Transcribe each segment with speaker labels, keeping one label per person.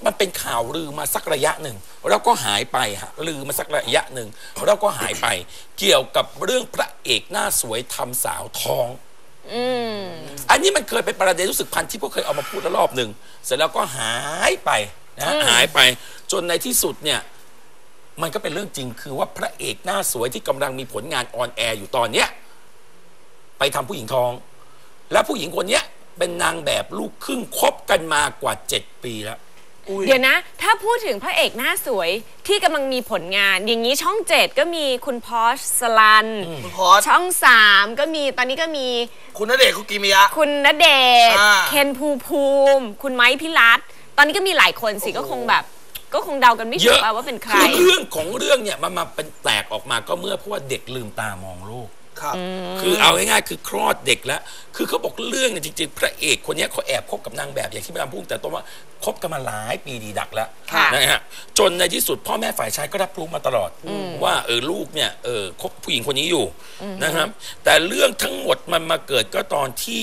Speaker 1: มันเป็นข่าวลือมาสักระยะหนึ่งแล้วก็หายไปฮะลือมาสักระยะหนึ่งแล้วก็หายไปเกี่ยวกับเรื่องพระเอกหน้าสวยทำสาวท้องอันนี้มันเคยเป็นประเด็นรู้สึกพันทิพย์ก็เคยเอามาพูดแล้วรอบหนึ่งเสร็จแล้วก็หายไปนะหายไปจนในที่สุดเนี่ยมันก็เป็นเรื่องจริงคือว่าพระเอกหน้าสวยที่กำลังมีผลงานออนแอร์อยู่ตอนเนี้ยไปทำผู้หญิงท้องและผู้หญิงคนนี้เป็นนางแบบลูกครึ่งคบกันมากว่า7 ปีแล้ว
Speaker 2: เดี๋ยวนะถ้าพูดถึงพระเอกหน้าสวยที่กำลังมีผลงานอย่างนี้ช่อง7ก็มีคุณพอชสลัน
Speaker 3: คุณพอช
Speaker 2: ช่อง3ก็มีตอนนี้ก็มี
Speaker 3: คุณณเดชน์คุกิมิยะ
Speaker 2: คุณณเดชน์เคนภูมิคุณไม้พิรัตน์ตอนนี้ก็มีหลายคนสิก็คงแบบก็คงเดากันไม่ถูกว่าเป็นใคร
Speaker 1: คือเรื่องของเรื่องเนี่ยมันมาเป็นแตกออกมาก็เมื่อเพราะว่าเด็กลืมตามองโลกคือเอาง่ายๆคือคลอดเด็กแล้วคือเขาบอกเรื่องเนี่ยจริงๆพระเอกคนนี้เขาแอบคบกับนางแบบอย่างที่พี่ดำพูดแต่ต้นว่าคบกันมาหลายปีดีดักแล้วนะฮะจนในที่สุดพ่อแม่ฝ่ายชายก็รับรู้มาตลอดว่าลูกเนี่ยคบผู้หญิงคนนี้อยู่นะครับแต่เรื่องทั้งหมดมันมาเกิดก็ตอนที่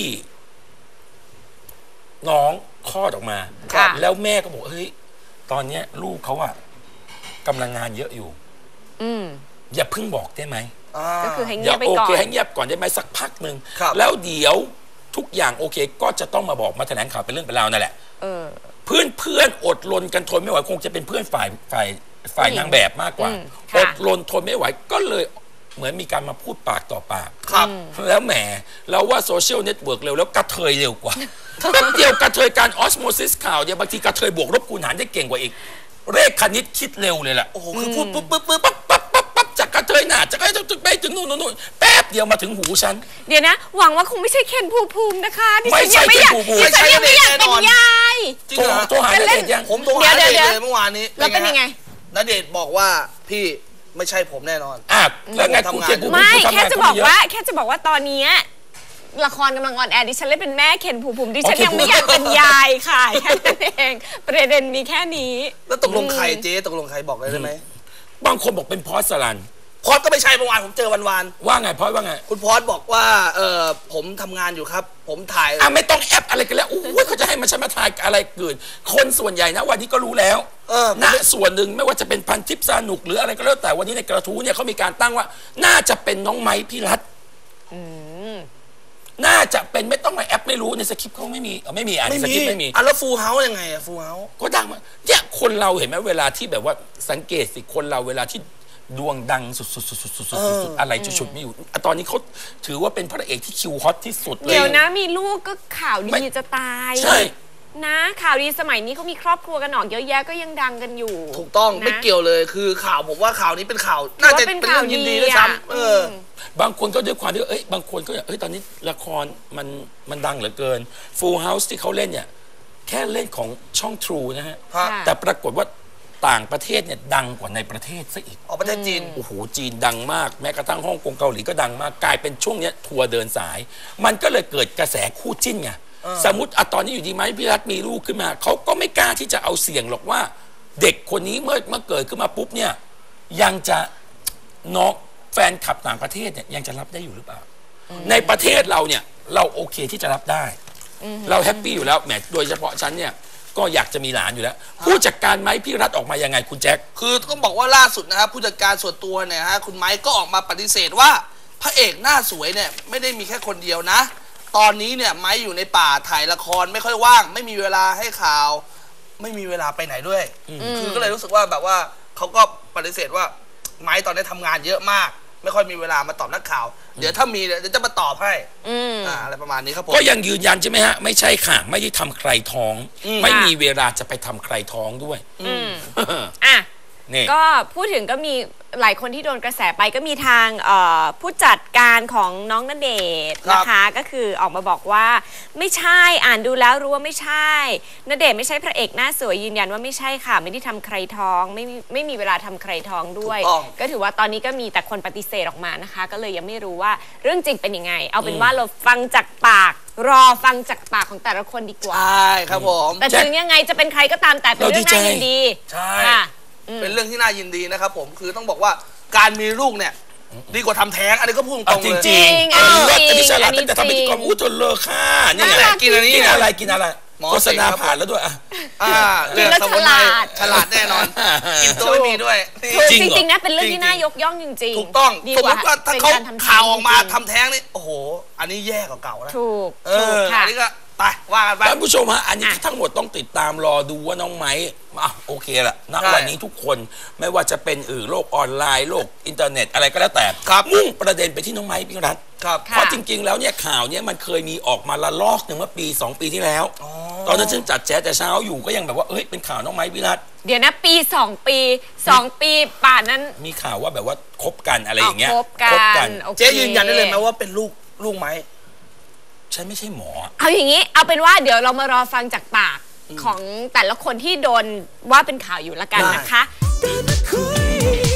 Speaker 1: น้องคลอดออกมาแล้วแม่ก็บอกเฮ้ยตอนนี้ลูกเขาอะกำลังงานเยอะอยู่อย่าเพิ่งบอกได้ไหม
Speaker 2: ก็คือให้เงียบไปก่อน
Speaker 1: โอเคให้เงียบก่อนได้ไหมสักพักหนึ่งแล้วเดี๋ยวทุกอย่างโอเคก็จะต้องมาบอกมาแถลงข่าวเป็นเรื่องเป็นราวนั่นแหละเพื่อนอดรนกันทนไม่ไหวคงจะเป็นเพื่อนฝ่ายนางแบบมากกว่าอดรนทนไม่ไหวก็เลยเหมือนมีการมาพูดปากต่อปากแล้วแหมเราว่าโซเชียลเน็ตเวิร์กเร็วแล้วกระเทยเร็วกว่าแป๊บเดียวกระเทยการออสโมซิสข่าวเนี่ยบางทีกระเทยบวกลบคูณหารได้เก่งกว่าอีกเลขคณิตคิดเร็วเลยแหละ
Speaker 3: โอ้โหคือพูดปุ๊บ
Speaker 1: จากกระเทยหนาจากกระเทยไปถึงนู่นแป๊บเดียวมาถึงหูฉัน
Speaker 2: เดี๋ยวนะหวังว่าคงไม่ใช่เคนภูมินะคะ
Speaker 1: ไม่ใช่เคนภูมิ
Speaker 2: ดิฉันยังไม่อยากเป็นยาย
Speaker 1: โทรหาณเดชน์ยัง
Speaker 3: ผมโทรหาณเดชน์เลยเมื่อวานนี้
Speaker 2: แล้วเป็นยังไง
Speaker 3: ณเดชน์บอกว่าพี่ไม่ใช่ผมแน่นอน
Speaker 1: แล้วไงคุณเคนภูมิ
Speaker 2: ไม่แค่จะบอกว่าตอนนี้ละครกำลังออนแอร์ดิฉันเล่นเป็นแม่เคนภูมิดิฉันยังไม่อยากเป็นยายค่ะแค่นั้นเองประเด็นมีแค่นี้
Speaker 3: แล้วตกลงใครเจ๊ตกลงใครบอกได้ไหม
Speaker 1: บางคนบอกเป็นพอสลัน
Speaker 3: พอสก็ไม่ใช่เมื่อวานผมเจอวัน
Speaker 1: ว่าไงพอสว่าไง
Speaker 3: คุณพอสบอกว่าผมทำงานอยู่ครับผมถ่าย
Speaker 1: ไม่ต้องแอปอะไรกันแล้วเขาจะให้มันฉันมาถ่ายอะไรเกิดคนส่วนใหญ่นะวันนี้ก็รู้แล้วนะส่วนหนึ่งไม่ว่าจะเป็นพันทิพย์สนุกหรืออะไรก็แล้วแต่วันนี้ในกระทู้เนี่ยเขามีการตั้งว่าน่าจะเป็นน้องไม้พิรัตน์น่าจะเป็นไม่ต้องมาแอปไม่รู้ในสคริปต์เขาไม่มีในสคริปต์ไม่มี
Speaker 3: แล้วฟูลเฮาส์ยังไงฟูลเฮาส์
Speaker 1: ก็ดังมาเนี่ยคนเราเห็นไหมเวลาที่แบบว่าสังเกตสิคนเราเวลาที่ดวงดังสุดๆอะไรจุดๆไม่อยู่ตอนนี้เขาถือว่าเป็นพระเอกที่คิวฮอตที่สุดเลย
Speaker 2: เดี๋ยวนะมีลูกก็ข่าวดีจะตาย
Speaker 1: ใช่
Speaker 2: นะข่าวดีสมัยนี้เขามีครอบครัวกันออกเยอะแยะก็ยังดังกันอยู่
Speaker 3: ถูกต้องไม่เกี่ยวเลยคือข่าวผมว่าข่าวนี้เป็นข่าวน่าจะเป็นเรื่องยินดีด้วยซ้ำ
Speaker 1: บางคนก็ด้วยความที่บางคนก็ตอนนี้ละครมันดังเหลือเกิน Full House ที่เขาเล่นเนี่ยแค่เล่นของช่อง True นะฮะแต่ปรากฏว่าต่างประเทศเนี่ยดังกว่าในประเทศซะอีก
Speaker 3: ประเทศจีน
Speaker 1: โอ้โหจีนดังมากแม้กระทั่งฮ่องกงเกาหลีก็ดังมากกลายเป็นช่วงนี้ทัวร์เดินสายมันก็เลยเกิดกระแสคู่จิ้นไงสมมติตอนนี้อยู่ดีไหมพี่รัฐมีลูกขึ้นมาเขาก็ไม่กล้าที่จะเอาเสี่ยงหรอกว่าเด็กคนนี้เมื่อเกิดขึ้นมาปุ๊บเนี่ยยังจะน้องแฟนคลับต่างประเทศเนี่ยยังจะรับได้อยู่หรือเปล่าในประเทศเราเนี่ยเราโอเคที่จะรับได้เราแฮปปี้อยู่แล้วแหมโดยเฉพาะฉันเนี่ยก็อยากจะมีหลานอยู่แล้วผู้จัดการไม้พี่รัฐออกมายังไงคุณแจ็ค
Speaker 3: คือต้องบอกว่าล่าสุดนะครับผู้จัดการส่วนตัวเนี่ยฮะคุณไม้ก็ออกมาปฏิเสธว่าพระเอกหน้าสวยเนี่ยไม่ได้มีแค่คนเดียวนะตอนนี้เนี่ยไม้อยู่ในป่าถ่ายละครไม่ค่อยว่างไม่มีเวลาให้ข่าวไม่มีเวลาไปไหนด้วยคือก็เลยรู้สึกว่าแบบว่าเขาก็ปฏิเสธว่าไม้ตอนนี้ทำงานเยอะมากไม่ค่อยมีเวลามาตอบนักข่าวเดี๋ยวถ้ามีเดี๋ยวจะมาตอบให้อะไรประมาณนี้ครับผม
Speaker 1: ก็ยังยืนยันใช่ไหมฮะไม่ใช่ค่ะไม่ได้ทำใครท้องไม่มีเวลาจะไปทำใครท้องด้วย
Speaker 2: ก็พูดถึงก็มีหลายคนที่โดนกระแสไปก็มีทางผู้จัดการของน้องณเดชน์นะคะก็คือออกมาบอกว่าไม่ใช่อ่านดูแล้วรู้ว่าไม่ใช่ณเดชน์ไม่ใช่พระเอกหน้าสวยยืนยันว่าไม่ใช่ค่ะไม่ได้ทำใครท้องไม่มีเวลาทำใครท้องด้วยก็ถือว่าตอนนี้ก็มีแต่คนปฏิเสธออกมานะคะก็เลยยังไม่รู้ว่าเรื่องจริงเป็นยังไงเอาเป็นว่าเราฟังจากปากรอฟังจากปากของแต่ละคนดีกว่า
Speaker 3: ใช่ครับผม
Speaker 2: แต่ถึงยังไงจะเป็นใครก็ตามแต่เป็นเรื่องน่ายินดี
Speaker 3: ใช่เป็นเรื่องที่น่ายินดีนะครับผมคือต้องบอกว่าการมีลูกเนี่ยดีกว่าทำแท้งอันนี้ก็พูดตรงเลย
Speaker 1: จริงอันนี้ฉลาดตั้งแต่ทำพิธีกรจนเลิกค่ะนี่ไง
Speaker 3: กินอะไร
Speaker 1: โฆษณาผ่านแล้วด้วย
Speaker 2: กินแล้วฉลาด
Speaker 3: ฉลาดแน่นอนกินตัวไม่มีด้วย
Speaker 2: จริงๆนะเป็นเรื่องที่น่ายกย่องจริงๆ
Speaker 3: ถูกต้อง
Speaker 2: ดี
Speaker 3: สม
Speaker 2: ก
Speaker 3: ม
Speaker 2: ว่า
Speaker 3: ติว่าถ้า
Speaker 2: เป็น
Speaker 3: เขา
Speaker 2: การทำ
Speaker 3: ข่าวออกมา
Speaker 2: จริงๆ
Speaker 3: ทำแท้งนี่โอ้โหอันนี้แย่กว่าเก่าแล้ว
Speaker 2: ถูกค่ะ
Speaker 3: อันนี้ก็ไปว่ากันไป
Speaker 1: ท่านผู้ชมฮะอันนี้ทั้งหมดต้องติดตามรอดูว่าน้องไม้โอเคละณวันนี้ทุกคนไม่ว่าจะเป็นโลกออนไลน์โลกอินเทอร์เน็ตอะไรก็แล้วแต่มุ่งประเด็นไปที่น้องไม้พี่รัฐเพราะจริงๆแล้วเนี่ยข่าวเนี่ยมันเคยมีออกมาละลอกหนึ่งเมื่อปี 2 ปีที่แล้วตอนนั้นฉันจัดแจ๊สแต่เช้าอยู่ก็ยังแบบว่าเป็นข่าวน้องไม้พี่รัฐ
Speaker 2: เดี๋ยวนะปี2 ปีป่านนั้น
Speaker 1: มีข่าวว่าแบบว่าคบกันอะไรอย่างเงี้ย
Speaker 2: คบกัน
Speaker 3: เจ๊ยืนยันได้เลยไหมว่าเป็นลูกไม้
Speaker 1: ฉันไม่ใช่หมอ
Speaker 2: เอาอย่างนี้เอาเป็นว่าเดี๋ยวเรามารอฟังจากปากของแต่ละคนที่โดนว่าเป็นข่าวอยู่ละกันนะคะ